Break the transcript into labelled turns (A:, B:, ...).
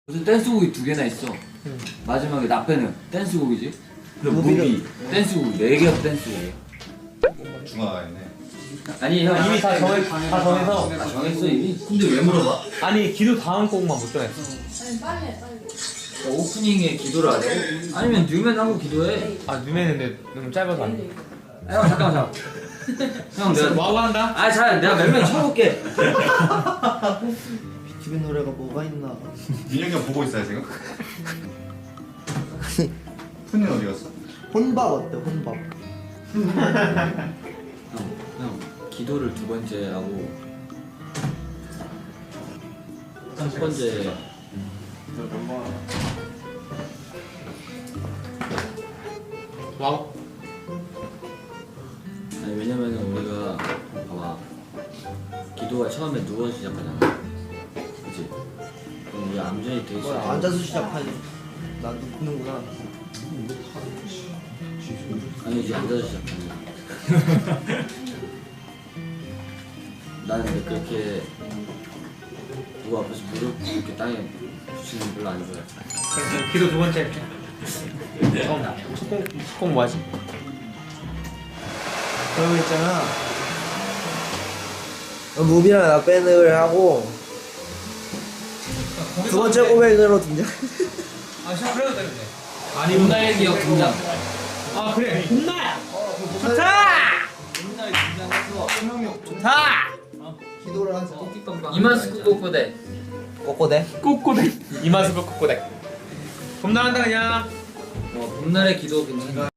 A: 무슨 댄스곡이 2개나 있어. 마지막에 나 빼는 댄스곡이지. 그리고 무비 댄스곡 4개가 댄스곡이야.
B: 중화가 있네.
A: 아니 형
C: 이미 다 정해서.
A: 아, 정했어 이미? 근데 왜 물어봐?
C: 아니 기도 다음 곡만 못 정했어.
D: 아니 빨리.
A: 오프닝에 기도를 하라고? 아니면 뉴맨 하고 기도해.
C: 아 누메는데 너무 짧아서 안 돼.
A: 아, 형 잠깐만. 형 내가
C: 와우 한다.
A: 아 잘 내가 몇 명 쳐볼게.
E: 비투비 노래가 뭐가 있나?
B: 민혁이 형 보고 있어요 지금? 푸니는 어디 갔어?
E: 혼밥 어때? 혼밥.
A: 형 기도를 2번째 하고 첫 번째
C: 와우.
A: 아니 왜냐면은 우리가 봐봐 기도가 처음에 누워 시작하잖아. 그치? 그럼 우리 암전이 되게
E: 뭐야
A: 싫어.
E: 앉아서 시작하지. 난 눕는구나.
A: 아니지 앉아서 시작하는. 나는 근데 그렇게 누구 앞에서 무릎 이렇게 땅에 붙이는 거 별로 안 좋아해.
C: 기도 2번째 할게. 첫곡 뭐하지?
E: 그러고 있잖아. 무비랑 나 밴을 하고 2번째 고백으로 등장.
C: 아 시작 그래도 되는데.
A: 아니 봄날 기억 등장.
C: 아 그래. 봄날.
A: 봄날 등장해서
C: 좋다.
E: 기도를 하자.
A: 이마스크 꼬꼬대.
E: 꼬꼬대.
C: 꼬꼬대. 이마스크 꼬꼬대. 봄날 한다 그냥.
A: 봄날의 기도 괜찮아.